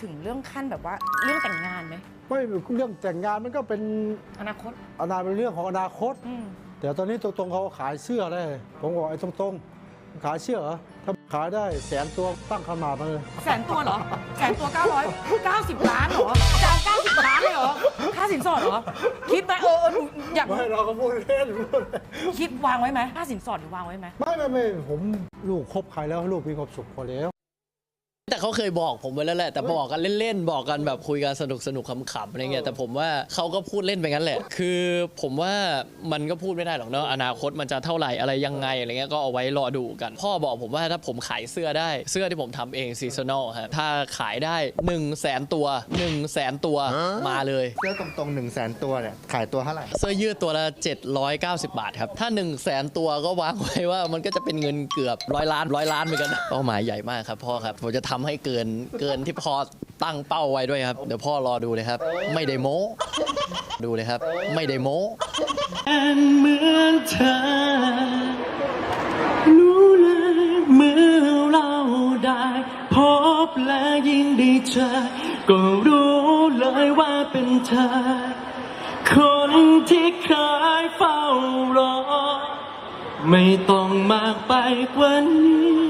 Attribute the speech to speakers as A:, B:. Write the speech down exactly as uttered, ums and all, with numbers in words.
A: ถึงเรื่องขั้นแบบว่าเรื่องแต่งงานไหม
B: ไม่เรื่องแต่งงานมันก็เป็น
A: อนาคต
B: อนาคตเป็นเรื่องของอนาคตแต่ตอนนี้ตรงๆเขาขายเสื้อได้ผมบอกไอ้ตรงๆขายเสื้อเหรอถ้าขายได้แสนตัวตั้งขนาดมาเลย
A: แสนตัวเหรอแสนตัวเก้าร้อยเก้าสิบล้านเหรอจะเอาเก้าสิบล้านเลยเหรอค่าสินสอดเหรอคิดไหมเอออยาก
B: ไม่เราก็พูดเล่น
A: คิดวางไว้ไหมค่าสินสอดวางไว้ไหม
B: ไม่ไม่ไม่ผมลูกคบใครแล้วลูกมีความสุขพอแล้ว
C: แต่เขาเคยบอกผมไว้แล้วแหละแต่บอกกันเล่นๆบอกกันแบบคุยกันสนุกสนุกขำๆอะไรเงี้ยแต่ผมว่าเขาก็พูดเล่นไปงั้นแหละคือผมว่ามันก็พูดไม่ได้หรอกเนาะอนาคตมันจะเท่าไหร่อะไรยังไงอะไรเงี้ยก็เอาไว้รอดูกันพ่อบอกผมว่าถ้าผมขายเสื้อได้เสื้อที่ผมทำเองซีซันอลฮะถ้าขายได้หนึ่งแสนตัวหนึ่งแสนตัวมาเลย
D: เสื้อตรงๆหนึ่งแสนตัวเนี่ยขายตัวเท่าไหร่
C: เสื้อยืดตัวละเจ็ดร้อยเก้าสิบบาทครับถ้าหนึ่งแสนตัวก็วางไว้ว่ามันก็จะเป็นเงินเกือบร้อยล้านร้อยล้านเหมือนกันเป้าหมายใหญ่มากครับพ่อครับผมจะทำให้เกินเกินที่พ่อตั้งเป้าไว้ด้วยครับเดี๋ยวพ่อรอดูเลยครับไม่ได้โม้ดูเลยครับไม่ได้โม้
E: เหมือนเธอรู้เลยเมื่อเราได้พบและยิ่งได้เจอก็รู้เลยว่าเป็นเธอคนที่เคยเฝ้ารอไม่ต้องมากไปกว่านี้